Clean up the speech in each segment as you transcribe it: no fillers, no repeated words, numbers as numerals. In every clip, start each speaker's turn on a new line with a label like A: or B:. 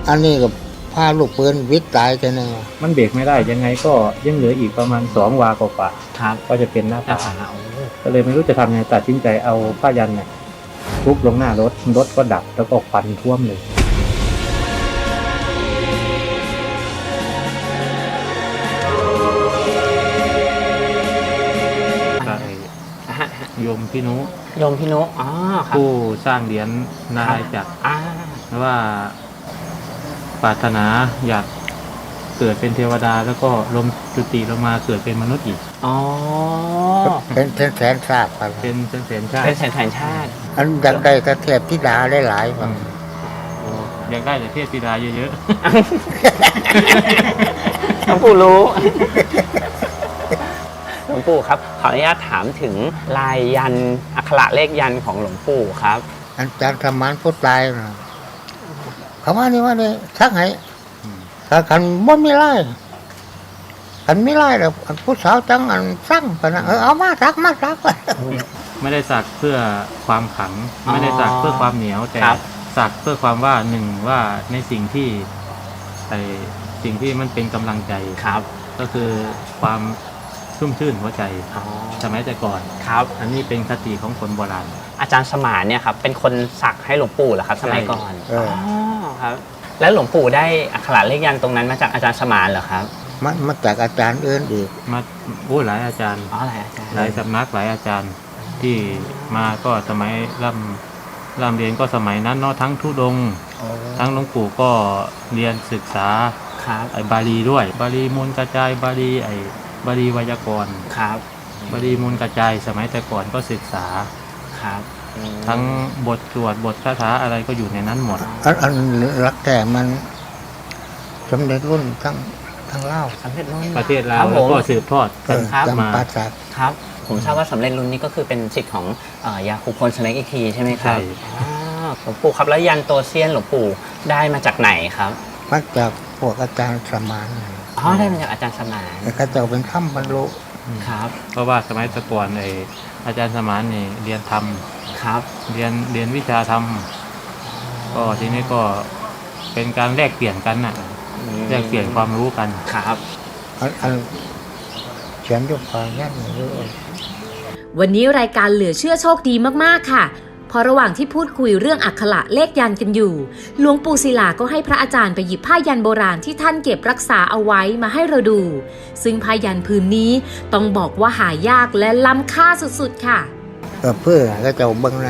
A: อันนี้กับพาลูกปืนวิทย์ตายกันนึง
B: มันเบรกไม่ได้ยังไงก็ยังเหลืออีกประมาณ2 วากว่า
C: ครับ
B: ก็จะเป็นหน้าผา
C: โอ้
B: ก็เลยไม่รู้จะทำยังไงตัดสินใจเอาผ้ายันเนี่ยทุบลงหน้ารถก็ดับแล้วก็ควันท่วมเลยโยมพี่นุ
C: โยมพี่นุอ๋อครับ
B: ผู้สร้างเหรียญนารายณ์จักรว่าปรารถนาอยากเกิดเป็นเทวดาแล้วก็ลมจุติลงมาเกิดเป็นมนุษย์อีก
C: อ๋อ
A: เป็นแสนชาติ
B: เป็นแสนชาติ
C: เป็นแสนชาติ
A: อันอยากได้แต่เทพธิดาหลายๆ
B: อยากได้แต่เทพธิดาเยอะ
C: ๆหลวงปู่รู้หลวงปู่ครับขออนุญาตถามถึงลายยันอักขระเลขยันของหลวงปู่ครับ
A: อาจารย์ธรรมานพุทธลายนะเขาว่านี่ชักให้ถ้าขันบ่มีไล่ขันไม่ไล่แล้วผู้สาวจังอันสั่งไปนะเอามาสัก
B: ไม่ได้สักเพื่อความขังไม่ได้สักเพื่อความเหนียวแต่สักเพื่อความว่าหนึ่งว่าในสิ่งที่มันเป็นกำลังใจ
C: ครับ
B: ก็คือความชุ่มชื่นหัวใจสมัยแต่ก่อน
C: ครับ
B: อันนี้เป็นคติของคนโบราณ
C: อาจารย์สมานเนี่ยครับเป็นคนสักให้หลวงปู่เหรอครับสมัยก่อนครับแล้วหลวงปู่ได้อักขระเลขยันตรงนั้นมาจากอาจารย์สมานเหรอครับ
A: มาจากอาจารย์อื่นอีก
B: มาหลายอาจารย์
C: หลายอาจารย์
B: หลายสำนักหลายอาจารย์ที่มาก็สมัยร่ำเรียนก็สมัยนั้นเนาะทั้งธุดงค์ทั้งหลวงปู่ก็เรียนศึกษาบาลีด้วยบาลีมูลกระจายบาลีไวยากรณ์
C: ครับ
B: บาลีมูลกระจายสมัยแต่ก่อนก็ศึกษา
C: ครับ
B: ทั้งบทสวดบทคาถาอะไรก็อยู่ในนั้นหมด
A: อันรักแต่มันสำเร็จรุ่นทั้งเล่า
C: สำเร็จรุ่น
B: ประเทศลาวแล้วก็สืบทอดกัน
C: มาครับผมทราบว่าสำเร็จรุ่นนี้ก็คือเป็นศิษย์ของยาคูพลสเน็กอีกทีใช่ไหมครับหลวงปู่ครับแล้วยันโตเซียนหลวงปู่ได้มาจากไหนครับ
A: มาจากพวกอาจารย์สมาน
C: ได้มาจากอาจารย์สมาน
A: เขาจะเป็นถ้ำบรรลุ
C: ครับ
B: เพราะว่าสมัยแต่ก่อนอาจารย์สมานนี่เรียนธรรม
C: ครับ
B: เรียนวิชาธรรมก็ทีนี้ก็เป็นการแลกเปลี่ยนกันน่ะแลกเปลี่ยนความรู้กัน
C: ครับ
A: เขียนด้วยความแน่นเยอะ
D: วันนี้รายการเหลือเชื่อโชคดีมากๆค่ะพอระหว่างที่พูดคุยเรื่องอักขระเลขยันกันอยู่หลวงปู่ศิลาก็ให้พระอาจารย์ไปหยิบผ้ายันโบราณที่ท่านเก็บรักษาเอาไว้มาให้เราดูซึ่งผ้ายันผืนนี้ต้องบอกว่าหายากและล้ำค่าสุดๆค่ะ
A: เพื่อก็จะเบิ้งนะ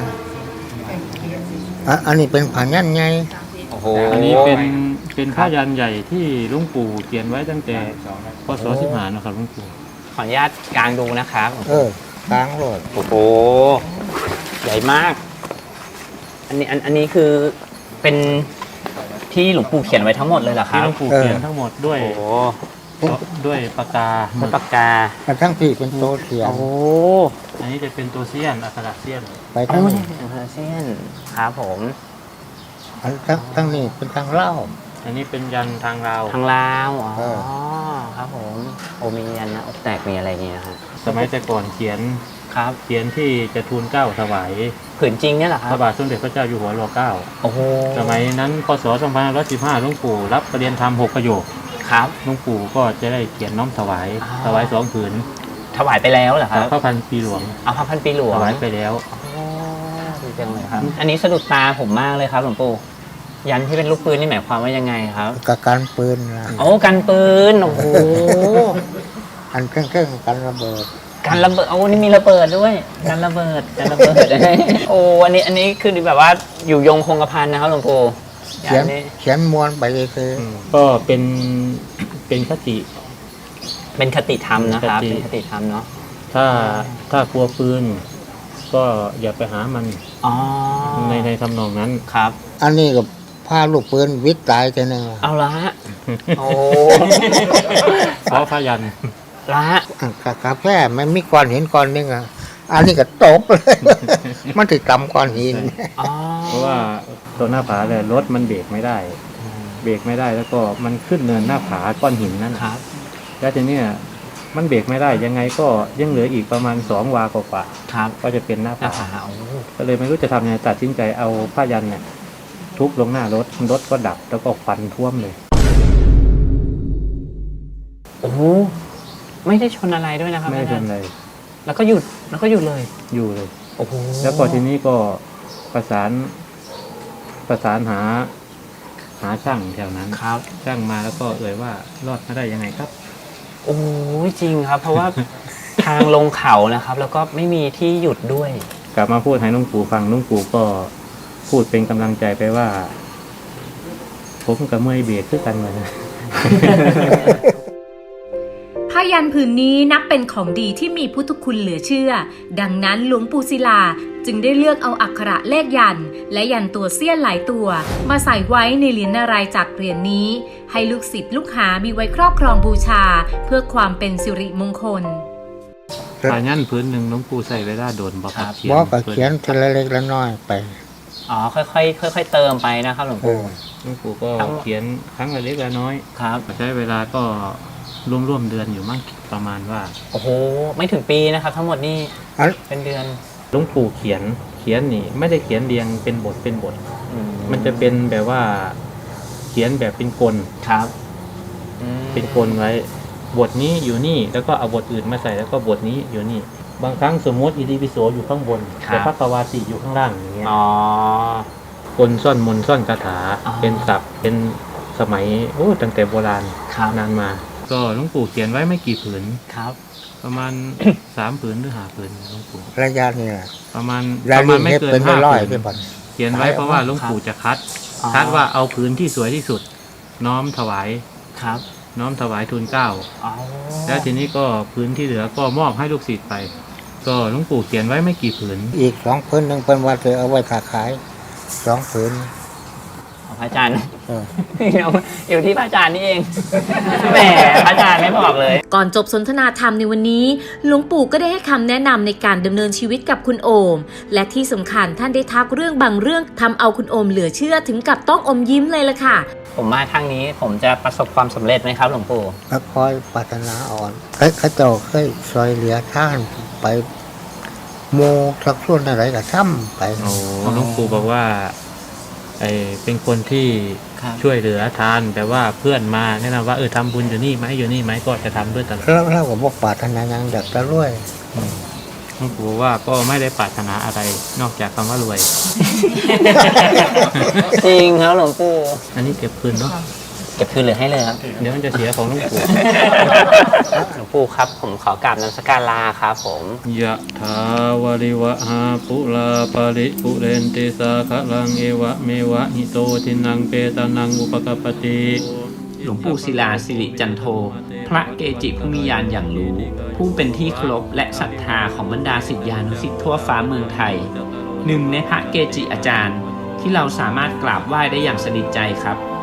A: อันนี้เป็นผ้ายันใหญ่
B: อันนี้เป็นผ้ายันใหญ่ที่หลวงปู่เขียนไว้ตั้งแต่พ.ศ. 15นะครับหลวงปู่
C: ขออนุญาตกางดูนะครับ
A: กางโหลด
C: โอ้โหใหญ่มากอันนี้คือเป็นที่หลวงปู่เขียนไว้ทั้งหมดเลยเหรอครับ
B: ที่หลวงปู่เขียนทั้งหมดด้วยปากกา
A: ทั้งที่เป็นโตเสียน
B: อันนี้จะเป็นตัวเซียนอักขระเซียน
A: ไปทั้งนี้
C: อักขระเซียนครับผม
A: ทั้งนี้เป็นทางเล่า
B: อันนี้เป็นยันทางลาว
C: ครับผมมียันนะอกแตกมีอะไรเงี้ยฮะ
B: สมัยแต่ก่อนเขียนที่จะทูลเกล้าถวาย
C: ผืนจริงเนี่ยเหรอครับ
B: พระบาทสมเด็จพระเจ้าอยู่หัวร.9
C: โอ้โห
B: สมัยนั้นพ.ศ. 2515หลวงปู่รับประเรียนธรรม6 ประโยค
C: ครับ
B: หลวงปู่ก็จะได้เขียนน้อมถวาย2 ผืน
C: ถวายไปแล้วเหรอครับ
B: พระพันปีหลวง
C: พระพันปีหลวง
B: ถวายไปแล้ว
C: ดีจังเลยครับอันนี้สะดุดตาผมมากเลยครับหลวงปู่ยันที่เป็นลูกปืนนี่หมายความว่ายังไงครับ
A: การปืนนะ
C: กันปืนโอ้โห
A: อันเครื่องกันระเบิด
C: นี่มีระเบิดด้วยการระเบิดโอ้อันนี้คือแบบว่าอยู่ยงคงกระพันนะครับหลวงปู่
A: เขียนมวลไปเลยคือ
B: ก็เป็นคติ
C: ธรรมนะครับเป็นคติธรรมเนาะ
B: ถ้ากลัวปืนก็อย่าไปหามันในทำนองนั้น
C: ครับ
A: อันนี้กับพาลูกปืนวิทย์ตายกันนึง
C: เอาละ
B: เพราะพยัน
C: ละ
A: กาแฟมันมีก้อนหินก้อนนึงอันนี้ก็ตกเลยมันถึงกำก้อนหิน
B: เพราะว่าตัวหน้าผาเลยรถมันเบรกไม่ได้แล้วก็มันขึ้นเนินหน้าผาก้อนหินนั่น
C: ครับ
B: แล้วทีนี้มันเบรกไม่ได้ยังไงก็ยังเหลืออีกประมาณ2 วากว่า
C: ครับ
B: ก็จะเป็นหน้าผาก็เลยไม่รู้จะทำยังไงตัดสินใจเอาผ้ายันเนี่ยทุบลงหน้ารถรถก็ดับแล้วก็ควันท่วมเลย
C: โอ้โหไม่ได้ชนอะไรด้วยนะครับ
B: ไม่
C: อา
B: เป็
C: จาร
B: น
C: ย์
B: ไร
C: แล้วก็หยุดเลย
B: อยู่เลย
C: โอ้โห
B: แล้วก็ทีนี้ก็ประสานหาช่างแถวนั้น
C: ครับ
B: ช่างมาแล้วก็เอ่ยว่ารอดมาได้ยังไงครับ
C: โอ้ยจริงครับ เพราะว่า ทางลงเขานะครับ แล้วก็ไม่มีที่หยุดด้วย
B: กลับมาพูดให้หลุงปู่ฟังหลุงปู่ก็พูดเป็นกำลังใจไปว่า ผมกับเมื่อยเบรกคือกันเลยนะ
D: ผ้ายันผืนนี้นับเป็นของดีที่มีพุทธคุณเหลือเชื่อ ดังนั้นหลวงปู่ศิลาจึงได้เลือกเอาอักขระเลขยันต์และยันตัวเสี้ยนหลายตัว มาใส่ไว้ในเหรียญนารายณ์จากเหรียญนี้ ให้ลูกศิษย์ลูกหามีไว้ครอบครองบูชา เพื่อความเป็นสิริมงคล
B: ผ้ายันพื้นหนึ่งหลุงปู่ใส่เวลาโดนบอก
C: ครับ
B: เขียน
A: บอกก็เขียนทีละเล็กละน้อยไป
C: อ๋อค่อยๆเติมไปนะครับหลวงปู่
B: หลุงปู่ก็เขียนครั้งละเล็กละน้อย
C: ครับ
B: ใช้เวลาก็ร่วมเดือนอยู่มั้งประมาณว่า
C: โอ้โหไม่ถึงปีนะครับ ทั้งหมดนี่
A: อัน
C: เป็นเดือน
B: หลวงปู่เขียนนี่ไม่ได้เขียนเรียงเป็นบท
C: อื
B: มันจะเป็นแบบว่าเขียนแบบเป็นกล
C: ครับอืม
B: เป็นกลไว้ บทนี้อยู่นี่แล้วก็เอาบทอื่นมาใส่แล้วก็บทนี้อยู่นี่ บางครั้งสมมติอิติปิโสอยู่ข้างบนแต่พระกวาติอยู่ข้างล่างอย่างเงี้ย
C: อ๋อก
B: ลซ่อนมนต์ซ่อนคาถา
C: อ๋อ
B: เป็นศัพท์เป็นสมัยตั้งแต่โบราณ
C: ครับ
B: นานมา ก็หลวงปู่เขียนไว้ไม่กี่ผืน
C: ครับ
B: ประมาณ 3 ผืนหรือ5 ผืนหลวงปู่
A: ระยะนี่แหละ
B: ประมาณ
A: ราย
B: ประมาณไม่
A: เฮ็ด
B: เกิน
A: เป็น
B: 5
A: ร้อยๆ
B: ผื
A: ที่
B: น
A: บ่อน
B: เขียนไว้เพราะว่าหลวงปู่จะคัด
C: อ๋อ
B: คัดว่าเอาผืนที่สวยที่สุด น้อมถวาย
C: ครับ
B: น้อมถวายทูลเกล้า
C: อ๋อ
B: แล้วทีนี้ก็ผืนที่เหลือก็มอบให้ลูกศิษย์ไป ก็หลวงปู่เขียนไว้ไม่กี่ผืน
A: อีก2 ผืนหนึงเป็นว่าจะเอาไว้ค้าขาย2 ผืน
C: พระอาจารย์
A: เออ
C: อยู่ที่พระอาจารย์นี่เอง แหมพระอาจารย์ไม่บอกเลย
D: ก่อนจบสนทนาธรรมในวันนี้ หลวงปู่ก็ได้ให้คำแนะนำในการดำเนินชีวิตกับคุณโอม และที่สำคัญท่านได้ทักเรื่องบางเรื่องทำเอาคุณโอมเหลือเชื่อถึงกับต้องอมยิ้มเลยล่ะค่ะ
C: ผมมาทางนี้ผมจะประสบความสำเร็จไหมครับหลวงปู่
A: ก็คอยปรารถนาอ่อนเขาเจ้าเคยซอยเหลือท่านไปโมสักส่วนอะไรก็ซ้ำไป
B: หลวงปู่บอกว่าเป็นคนที่
C: ครับ
B: ช่วยเหลือทานแต่ว่าเพื่อนมาแนะนำว่าทำบุญอยู่นี่ไหมก็จะทำด้วยตลอด
A: แล้วเราก็บอกปรารถนาอย่างอยากจะรวย
B: หลวงปู่บอกว่าก็ไม่ได้ปรารถนาอะไรนอกจากคำว่ารวย
C: จริงครับหลวงปู่
B: อันนี้เก็บคืนเนาะ
C: เก็บคืนเหลือให้เลยครับ
B: เดี๋ยวมันจะเสียของหลวงปู่
C: หลวงปู่ครับผมขอกราบนมัสการลาครับผม
B: ยะถาวาริวะหาปุลาปาริปุเรนติสาคะลังเอวะเมวะหิโตทินังเปตานังอุปกปปติ
E: หลวงปู่ศิลาสิริจันโท พระเกจิผู้มีญาณอย่างรู้ ผู้เป็นที่เคารพและศรัทธาของบรรดาศิษยานุศิษย์ทั่วฟ้าเมืองไทย หนึ่งในพระเกจิอาจารย์ ที่เราสามารถกราบไหว้ได้อย่างสนิทใจครับ